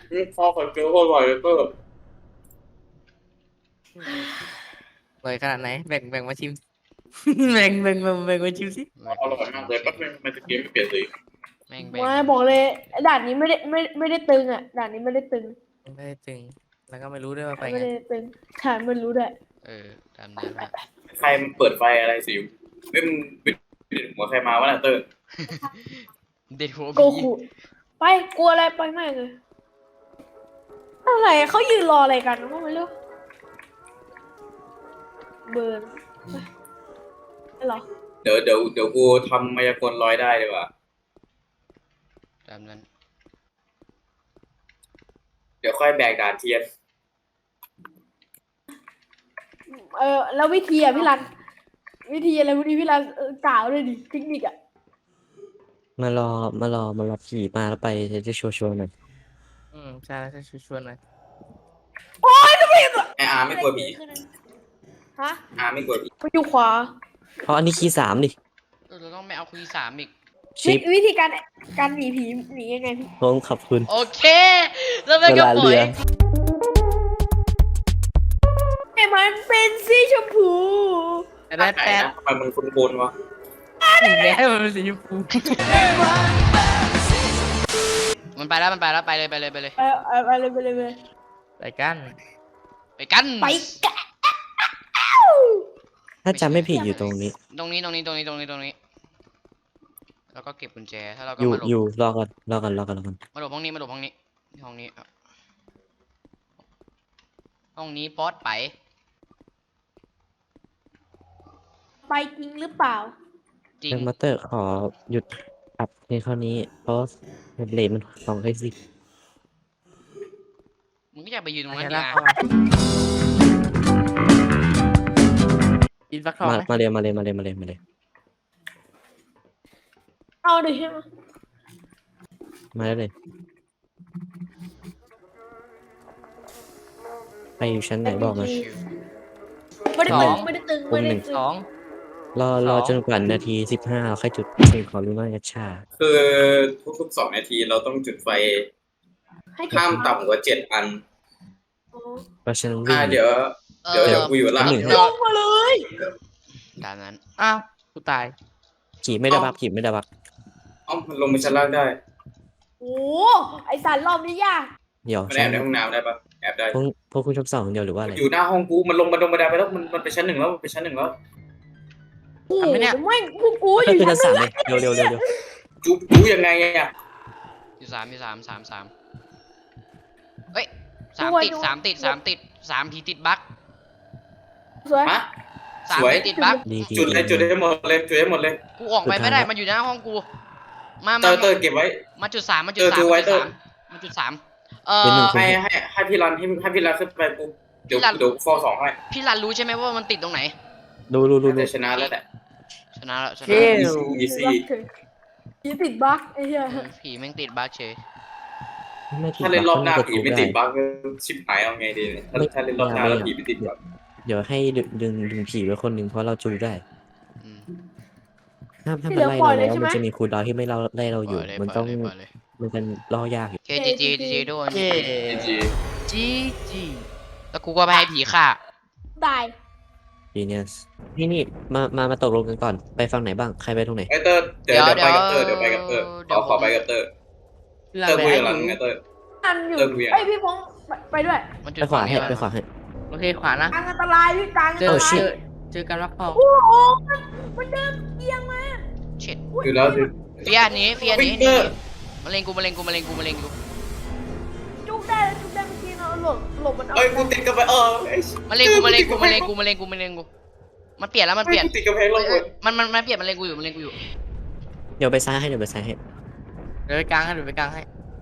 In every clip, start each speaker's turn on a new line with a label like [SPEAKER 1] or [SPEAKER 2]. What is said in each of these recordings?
[SPEAKER 1] ข้าวไข่เจียวก็อร่อยเลยเตอร์
[SPEAKER 2] เลยขนาดไหนแบ่งมาชิมแบ่งมาชิมสิ
[SPEAKER 1] อร่อยมากเลยแป๊บนึงมันจะเกมไม่เปลี่ยนสี
[SPEAKER 3] แม่ง
[SPEAKER 4] ไม่บอกเลยด่านนี้ไม่ได้ตึงอ่ะด่านนี้ไม่ได้ตึง
[SPEAKER 2] ไม่ได้ตึงแล้วก็ไม่รู้ด้วยว่าไป
[SPEAKER 4] ไม่
[SPEAKER 2] ไง
[SPEAKER 4] ได้ตึงฉันไม่รู้ด้วย
[SPEAKER 3] ตามนั้นฮะ
[SPEAKER 1] ใครเปิดไฟอะไรสิวเล่นบิดหัวใครมาวะน่ะเตอร์
[SPEAKER 3] เด็ดหัว
[SPEAKER 4] โก
[SPEAKER 3] ผี
[SPEAKER 4] คุไปกลัวอะไรไปมากเลยอะไรเขายืนรออะไรกันก็ไม่รู้เบิร์นไปเหรอ
[SPEAKER 1] เดี๋ยวกูทำมายากลลอยได้ดีกว่า
[SPEAKER 3] ตามนั้น
[SPEAKER 1] เดี๋ยวค่อยแบกด่านเทียน
[SPEAKER 4] แล้ววิธีอ่ะพี่รันวิธีอะไรพวกนี้พี่รันกล่าวเลยดิเทคนิคอ่ะ
[SPEAKER 5] มารอผีมาแล้วไปจะชัวร์หน่อย
[SPEAKER 2] ใช่แล้วจะชวนหน่อย
[SPEAKER 1] ไออาร์ไม่กลัวผี
[SPEAKER 4] ฮะ
[SPEAKER 1] อาร์ไม่กลัวผี
[SPEAKER 4] ไปอยู่ขวา
[SPEAKER 5] เพราะอันนี้คีย์สามดิ
[SPEAKER 3] เราต้องไม่เอาคุยสามอีก
[SPEAKER 5] ชิป
[SPEAKER 4] วิธีการหนีผีหนียังไงพี่
[SPEAKER 5] ผมขอบคุณ
[SPEAKER 3] โอเคแล้วมัน
[SPEAKER 5] เว
[SPEAKER 3] ก็
[SPEAKER 5] ลา
[SPEAKER 3] ปล่อ
[SPEAKER 5] เรื
[SPEAKER 3] ย
[SPEAKER 5] อ
[SPEAKER 4] แต่มันเป็นสีชมพู
[SPEAKER 2] แต่
[SPEAKER 1] ไหน
[SPEAKER 2] แต่
[SPEAKER 1] นะทำไมมันคุ้นๆวะ
[SPEAKER 2] ถึงแม้มันเป็นสีชมพู
[SPEAKER 3] มันไปแล้วไปเลย
[SPEAKER 4] ไปเลยไปเลย
[SPEAKER 2] ไปกัน
[SPEAKER 3] ไปกัน
[SPEAKER 4] ไปกัน
[SPEAKER 5] ถ้าจำไม่ผิดอยู่ตรงนี้
[SPEAKER 3] ตรงนี้แล้วก็เก็บกุญแจถ้าเราก็
[SPEAKER 5] อยู่
[SPEAKER 3] มาหลบ
[SPEAKER 5] อยู่รอก่อน
[SPEAKER 3] มาหลบห้องนี้ห้องนี้ป๊อตไป
[SPEAKER 4] ไปจริงหรือเปล่า
[SPEAKER 3] จริง
[SPEAKER 5] เดนมาสเตอร์ขอหยุดปรับในข้อนี้ เพราะเลทมันของให้สิ
[SPEAKER 3] มึงก็อยากไปยืนตรงนั้น
[SPEAKER 2] ไป
[SPEAKER 3] ดิ
[SPEAKER 2] แล้ว
[SPEAKER 3] อ่ะ
[SPEAKER 2] กินฟักทองไหม
[SPEAKER 5] มาเลย
[SPEAKER 4] เอาดิใช่ไหม
[SPEAKER 5] มาได้เลยไปอยู่ชั้นไหนบอกมา
[SPEAKER 4] ไม่ได้ตึงไม่ได้ตึงไม่ได้ตึง
[SPEAKER 2] สอง
[SPEAKER 5] รอจนกว่านาที15เราค่อยจุดสิ่งขอรู้ว่าจะช้า
[SPEAKER 1] คือทุกๆ2 นาทีเราต้องจุดไฟ
[SPEAKER 4] ให้เก็บ
[SPEAKER 1] ห้ามต่ำกว่า7 อัน
[SPEAKER 4] อ๋อ
[SPEAKER 5] เพราะฉะนั้นวิ่ง
[SPEAKER 1] เดี๋ยวกูอยู่ล่าง
[SPEAKER 5] หนึ่ง
[SPEAKER 4] ลงมาเลย
[SPEAKER 3] ตามนั้น
[SPEAKER 2] อ้าวกูตาย
[SPEAKER 5] ขี่ไม่ได้บัก
[SPEAKER 1] อ้อมมันลงไปชั้นล่างได้
[SPEAKER 4] โอ้ไอสารรอบนี้ยาก
[SPEAKER 5] เดี๋ยว
[SPEAKER 1] มันแอบในห้องน้ำได้ปะแอบได้
[SPEAKER 5] พวกคุณชอบสองเดียวหรือว่าอะไร
[SPEAKER 1] อยู่หน้าห้องกูมันลงบันไดไปแล้วมันไปชั้น 1แล้วมันไปชั้น 1แล้ว
[SPEAKER 4] โอ้โหไม่กูอ
[SPEAKER 5] ก็
[SPEAKER 4] ยู่
[SPEAKER 5] คือ
[SPEAKER 4] ชั้
[SPEAKER 5] ชั้
[SPEAKER 4] น
[SPEAKER 5] น
[SPEAKER 4] หนึ่ง
[SPEAKER 5] 3เลยเร็ว
[SPEAKER 1] จูยังไงอ่ะ
[SPEAKER 3] อยู่สามเฮ้ยสามติดผีติดบั๊ก
[SPEAKER 4] สวย
[SPEAKER 1] ฮะ
[SPEAKER 3] สาม
[SPEAKER 1] สวย
[SPEAKER 3] ผีติดบั๊ก
[SPEAKER 5] ดี
[SPEAKER 1] จุดให้หมดเลย
[SPEAKER 3] กูออกไปไม่ได้มันอยู่หน้าห้องกูมา
[SPEAKER 1] เตอร์เก็บไว้
[SPEAKER 3] มาจุดสาม
[SPEAKER 1] ดูไว้เตอร์
[SPEAKER 3] มาจุดสาม
[SPEAKER 1] ให้พี่รันขึ้นไปปุ๊บเดี๋ยวฟอร์2ให้
[SPEAKER 3] พี่รันรู้ใช่ไหมว่ามันติดตรงไหน
[SPEAKER 5] ดู
[SPEAKER 1] แต่ชนะแล้วแหละ
[SPEAKER 3] ชนะแล้ว
[SPEAKER 2] เย้
[SPEAKER 1] อีซี่
[SPEAKER 4] ผีติดบั๊กไอ้เหี้ย
[SPEAKER 3] ผีแม่งติดบั๊กเฉย
[SPEAKER 1] ถ้าเล่นรอบหน้าผีไม่ติดบั๊กชิบหายเอาไงดีเนี่ยถ้าเล่นรอบหน้าแล้วผีไม่ติดบั๊ก
[SPEAKER 5] เดี๋ยวให้ดึงผีไว้คนหนึ่งเพราะเราจูได้
[SPEAKER 3] อืม
[SPEAKER 5] ถ้ามันไล่เราแล้วมันจะมีคูลดาวน์ที่ไม่ไล่เราอยู่ มันต้อง
[SPEAKER 3] ปล่อยเลย
[SPEAKER 5] มันเป็นล่อยากอยู่
[SPEAKER 3] เคจีด้วย
[SPEAKER 2] เย้
[SPEAKER 1] จี
[SPEAKER 2] จี
[SPEAKER 3] แล้วกูก็ไปให้ผีฆ่า
[SPEAKER 4] ตาย
[SPEAKER 5] Genius นี่มาตกลงกันก่อนไปฝั่งไหนบ้างใครไปตรงไหน
[SPEAKER 1] ไอเตอร์เดี๋ยวไปกับเตอร์ขอไปกับเตอร์
[SPEAKER 2] เรา
[SPEAKER 1] เตอร์
[SPEAKER 2] ไป
[SPEAKER 1] คุย
[SPEAKER 2] ให้
[SPEAKER 1] กับหลัง
[SPEAKER 2] ดู
[SPEAKER 1] ไงเตอร์
[SPEAKER 4] อันอยู่
[SPEAKER 1] เติมเวียน
[SPEAKER 4] ไอยพี่พงษ์ไปด้วย
[SPEAKER 3] มันจุด
[SPEAKER 5] ไปขวาให้
[SPEAKER 2] โอเคขวานะ
[SPEAKER 4] กลางอันตรายพี่กลางอัน
[SPEAKER 2] เจ
[SPEAKER 4] ต
[SPEAKER 2] อ
[SPEAKER 4] ราย
[SPEAKER 2] เจอกันฟักทอง
[SPEAKER 4] โอ้โหมันเดินเอียงมา
[SPEAKER 3] เช็ด
[SPEAKER 1] อยู่แล้ว
[SPEAKER 3] เฟียนี้มาเล็งกูมาเล็งกู
[SPEAKER 4] จุกได้เมื่อกี้เนาะหลบมันเอา
[SPEAKER 1] เอ้ยกูติดกับไป
[SPEAKER 3] มาเล็งกูมันเปลี่ยนแล้วมันเปลี่ยน
[SPEAKER 1] ติดกับเพลงลงเลย
[SPEAKER 3] มันเปลี่ยนมันเล็งกูอยู่
[SPEAKER 5] เดี๋ยวไปซ้ายให้
[SPEAKER 2] เดี๋ยวไปกลางให้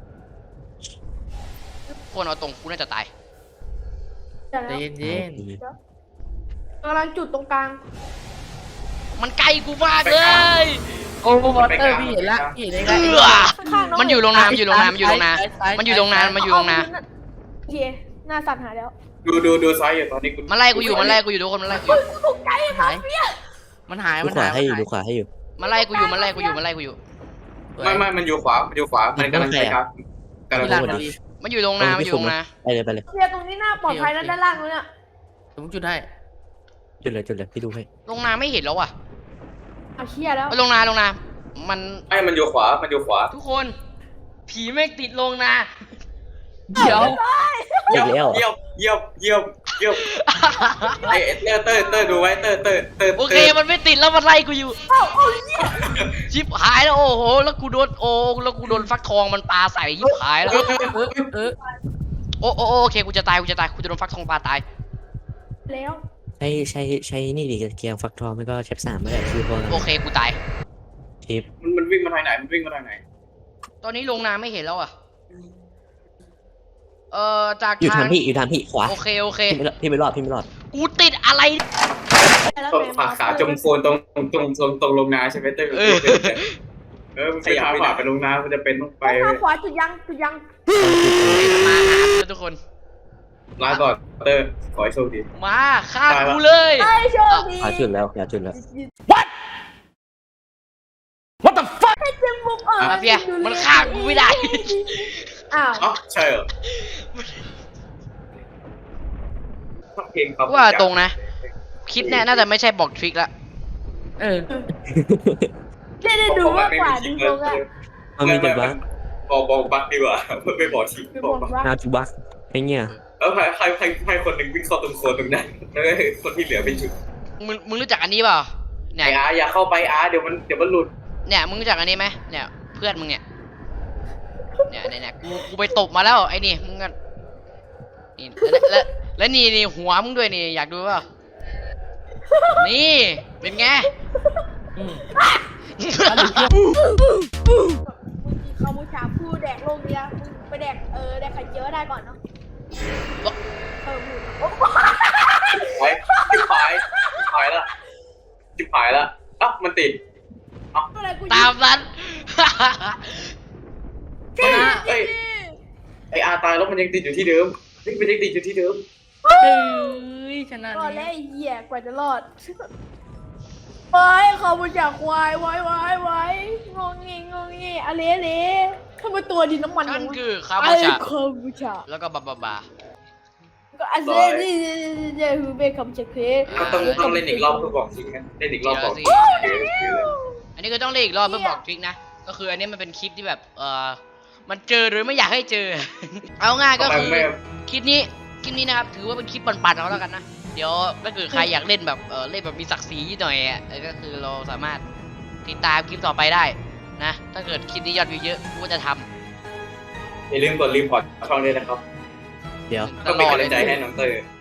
[SPEAKER 3] คนเอาตรงกูน่าจะตาย
[SPEAKER 2] ใจเย็น
[SPEAKER 4] กำลังจุดตรงกลาง
[SPEAKER 3] มันไกลกูมากเลย
[SPEAKER 2] ๆโอ้วอเตอร์พี่เห็นละพี่เห็นได้ไง
[SPEAKER 4] ข้างๆ
[SPEAKER 3] มันอยู่โรงนามันอยู่โรงนา
[SPEAKER 2] ซ้าย
[SPEAKER 3] มันอยู่โรงนา
[SPEAKER 4] โอเคหน้าสั่นหายแล้ว
[SPEAKER 1] ดูซ้ายอยู่ตอนนี้กู
[SPEAKER 3] มันไล่กูอยู่ทุกคนมันไล่กูอยู่
[SPEAKER 4] ตกใจ
[SPEAKER 2] หายมันหาย
[SPEAKER 5] ดูขวาให้อยู่ดูขวาให้อยู่
[SPEAKER 3] มันไล่กูอยู่
[SPEAKER 1] ไม่มันอยู่ขวามันกำลังไปครับ
[SPEAKER 2] พี่รันพอดี
[SPEAKER 3] มันอยู่โรงนามันอยู่โรงนา
[SPEAKER 5] ไปเลยไปเลย
[SPEAKER 4] เชียร์ตรงนี้น่าปลอดภัยนะด้านล่างนู้นเนี่ย
[SPEAKER 2] ผมจุดให้
[SPEAKER 5] จุดเลยพี่ดูให้
[SPEAKER 3] โรงนาไม่เห็นแล้วอ่ะ
[SPEAKER 4] เอาเชียร์แล้ว
[SPEAKER 3] โรงนามัน
[SPEAKER 1] ไอ้มันอยู่ขวามันอยู่ขวา
[SPEAKER 3] ทุกคนผีแม่งติดโรงนา
[SPEAKER 2] เดี๋ยว
[SPEAKER 5] อีกแล้ว
[SPEAKER 1] เยี่ยมเยี่ยมเยี่ยมเยี่ยมไอ้เตอร์ดูไว้เตอร์
[SPEAKER 3] โอเคมันไม่ติดแล้วมันไล่กูอยู่ชิบหายแล้วโอ้โหแล้วกูโดนฟักทองมันปาใส่ยิบหายแล้ว
[SPEAKER 2] เออ
[SPEAKER 3] โอเคกูจะตายกูจะโดนฟักทองปาตาย
[SPEAKER 4] แล้ว
[SPEAKER 5] ใช้นี่ดิเกียร์ฟักทองไม่ก็เชฟ3ไม่ได้คือพอ
[SPEAKER 3] โอเคกูตาย
[SPEAKER 5] เชฟ
[SPEAKER 1] มันวิ่งมาทางไหนมันวิ่งมาทางไหน
[SPEAKER 3] ตอนนี้โรงนาไม่เห็นแล้วอ่ะจาก
[SPEAKER 5] อยู่
[SPEAKER 3] ทา
[SPEAKER 5] ทาง งพี่ขวา
[SPEAKER 3] โอเค
[SPEAKER 5] พี่ไม่รอด
[SPEAKER 3] กูติดอะไร
[SPEAKER 4] แล้ว
[SPEAKER 1] ตรงขาจมโคลนตรงลงนาใช่ไหมเตอร์มันขยับขวาไปลงนามันจะเป็นต้องไป
[SPEAKER 4] ข้างขวาจุดยัง
[SPEAKER 3] มาหากูทุกคน
[SPEAKER 1] ลาก่อนเตอร์ขอให้โชคดี
[SPEAKER 3] มาฆ่ากูเลย
[SPEAKER 4] ไอ้โชคดี
[SPEAKER 5] ขวาจุดแล้วจุดแล้ว
[SPEAKER 4] ให้จึงบุก
[SPEAKER 3] มาเฟียมันฆ่ากูไม่ได้
[SPEAKER 4] อ้าว
[SPEAKER 1] อ๋อใช่เหรอเพลงครับ
[SPEAKER 3] ว่าตรงนะคลิปเนี่ยน่าจะไม่ใช่บอกทริคละ
[SPEAKER 2] เออ
[SPEAKER 4] ได้ดูมากกว่าดูตรงอะ
[SPEAKER 5] มันมีแต่บั๊ก
[SPEAKER 1] บอกบักดีกว่าไม่บอกที
[SPEAKER 4] ดู
[SPEAKER 1] บบ อ
[SPEAKER 4] อก ก
[SPEAKER 1] บัก
[SPEAKER 4] ว่า
[SPEAKER 5] นาจูบั๊กไอ้เงี้ย
[SPEAKER 1] แล้วใครคนหนึ่งวิ่งเข้าตรงโคลนตรงนั้นแล้วคนที่เหลือเป็นจุด
[SPEAKER 3] มึงรู้จักอันนี้เปล่าเนี่ย
[SPEAKER 1] ไอ้อาอย่าเข้าไปอาเดี๋ยวมันหลุด
[SPEAKER 3] เนี่ยมึงรู้จักอันนี้ไหมเนี่ยเพื่อนมึงเนี่ยกูไปตบมาแล้วไอ้นี่มึงกันนี่แล้วนี่หัวมึงด้วยนี่อยากดูเปล่านี่เป็นไง
[SPEAKER 2] อืม
[SPEAKER 4] เขาบูชาผู้แดกโลกนี้มึงไปแดกแดกไข่เจียวได้ก่อนเนาะ
[SPEAKER 1] จิบหายแล้วอ่ะมันติด
[SPEAKER 3] ตามนั้น
[SPEAKER 1] เอ้ยไออาตายแล้วมันยังติดอยู่ที่เดิมมันยังติดอยู่ที่เดิม
[SPEAKER 2] เฮ้ยชนะ
[SPEAKER 4] ก่อนแล้
[SPEAKER 2] แล้ว
[SPEAKER 4] ไอ้เหี้ยกว่าจะรอดไปเขาบูชาควายไว้งงงี้อะไรทำไมตัวดินน้ำมัน
[SPEAKER 3] นั่น
[SPEAKER 4] วะ
[SPEAKER 3] คือคา
[SPEAKER 4] ไอ้
[SPEAKER 3] บูชา
[SPEAKER 4] คาบูชา
[SPEAKER 3] แล้วก็บา
[SPEAKER 4] ก็อันนี้คือเบคำเชคเคส
[SPEAKER 1] ต้องเล่นอีกรอบเพื่อบอกจริงนะเล่นอีกรอบบอก
[SPEAKER 3] อันนี้ก็ต้องเล่นอีกรอบเพื่อบอกทริคนะก็คืออันนี้มันเป็นคลิปที่แบบมันเจอหรือไม่อยากให้เจอ เอาง่ายก็คือคลิปนี้นะครับถือว่าเป็นคลิปปั่นๆเอาแล้วกันนะเดี๋ยวถ้าเกิดใครอยากเล่นแบบเล่นแบบมีศักดิ์ศรีหน่อยอ่ะก็คือเราสามารถติดตามคลิปต่อไปได้นะถ้าเกิดคลิปนี้ยอดวิวเยอะกูก็จะทำ
[SPEAKER 1] อย่าลืมกดรีพอร์ตช่องด้วยนะครับ
[SPEAKER 5] เดี๋ยว
[SPEAKER 1] ก็เป็นกำลังใจให้น้องเตอร์